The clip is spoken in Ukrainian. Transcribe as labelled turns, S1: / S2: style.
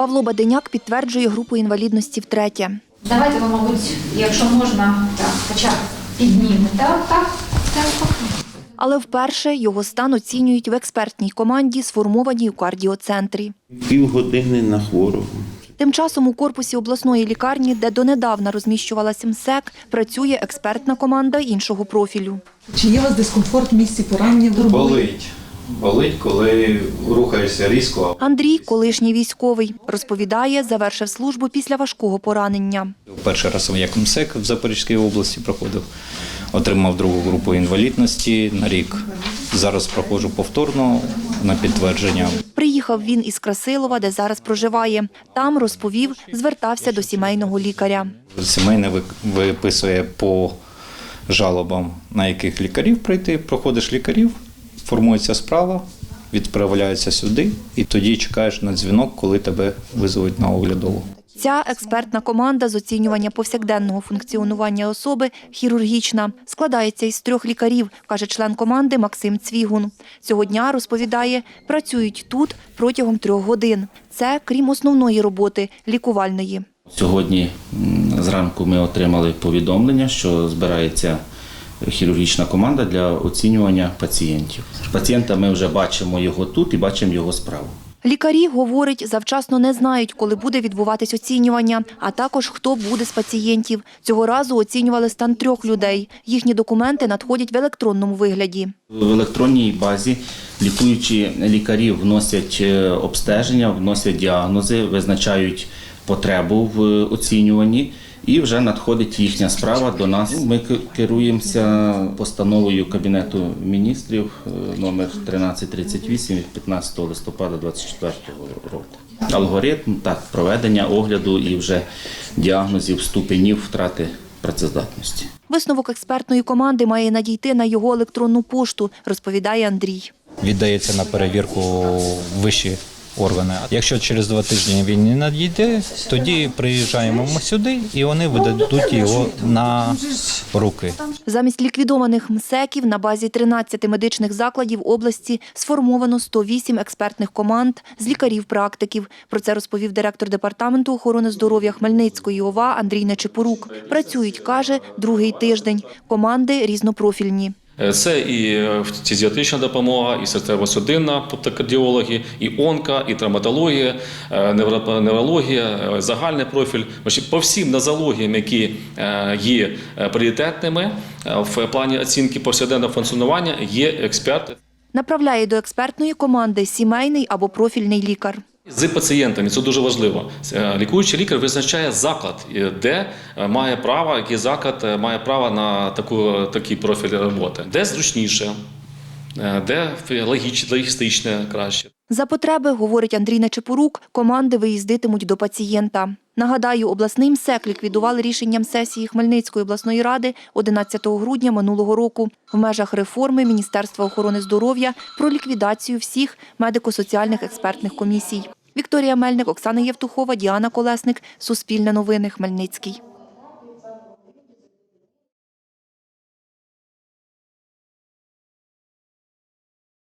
S1: Павло Баденяк підтверджує групу інвалідності втретє.
S2: Давайте ви, мабуть, якщо можна, так, хоча б піднімете. Так.
S1: Але вперше його стан оцінюють в експертній команді, сформованій у кардіоцентрі.
S3: Півгодини на хворого.
S1: Тим часом у корпусі обласної лікарні, де донедавна розміщувалася МСЕК, працює експертна команда іншого профілю.
S4: Чи є у вас дискомфорт в місці поранення?
S5: Болить, коли рухаєшся різко.
S1: Андрій, колишній військовий, розповідає, завершив службу після важкого поранення.
S6: Перший раз як МСЕК в Запорізькій області проходив, отримав другу групу інвалідності на рік. Зараз проходжу повторно на підтвердження.
S1: Приїхав він із Красилова, де зараз проживає. Там, розповів, звертався до сімейного лікаря.
S6: Сімейне виписує по жалобам, на яких лікарів прийти. Проходиш лікарів, формується справа, відправляється сюди і тоді чекаєш на дзвінок, коли тебе визовуть на оглядову.
S1: Ця експертна команда з оцінювання повсякденного функціонування особи хірургічна. Складається із 3 лікарів, каже член команди Максим Цвігун. Цього дня, розповідає, працюють тут протягом 3 годин. Це крім основної роботи – лікувальної.
S7: Сьогодні зранку ми отримали повідомлення, що збирається хірургічна команда для оцінювання пацієнтів. Пацієнта ми вже бачимо його тут і бачимо його справу.
S1: Лікарі, говорить, завчасно не знають, коли буде відбуватись оцінювання, а також хто буде з пацієнтів. Цього разу оцінювали стан 3 людей. Їхні документи надходять в електронному вигляді.
S7: В електронній базі лікуючі лікарі вносять обстеження, вносять діагнози, визначають потребу в оцінюванні. І вже надходить їхня справа до нас. Ми керуємося постановою Кабінету міністрів номер 1338 від 15 листопада 2024 року. Алгоритм проведення огляду і вже діагнозів ступенів втрати працездатності.
S1: Висновок експертної команди має надійти на його електронну пошту, розповідає Андрій.
S6: Віддається на перевірку вищі органи. Якщо через 2 тижні він не надійде, тоді приїжджаємо ми сюди і вони видадуть його на руки.
S1: Замість ліквідованих МСЕКів на базі 13 медичних закладів області сформовано 108 експертних команд з лікарів-практиків. Про це розповів директор Департаменту охорони здоров'я Хмельницької ОВА Андрій Нечипорук. Працюють, каже, 2-й тиждень. Команди різнопрофільні.
S8: Це і фізіатрична допомога, і серцево-судинна, тобто кардіологи, і онка, і травматологія, неврологія, загальний профіль. По всім нозологіям, які є пріоритетними в плані оцінки повсякденного функціонування, є експерти.
S1: Направляє до експертної команди сімейний або профільний лікар.
S8: З пацієнтами, це дуже важливо. Лікуючий лікар визначає заклад, де має право, який заклад має право на такий профіль роботи. Де зручніше, де логістичне краще.
S1: За потреби, говорить Андрій Нечипорук, команди виїздитимуть до пацієнта. Нагадаю, обласний МСЕК ліквідували рішенням сесії Хмельницької обласної ради 11 грудня минулого року в межах реформи Міністерства охорони здоров'я про ліквідацію всіх медико-соціальних експертних комісій. Вікторія Мельник, Оксана Євтухова, Діана Колесник. Суспільне новини. Хмельницький.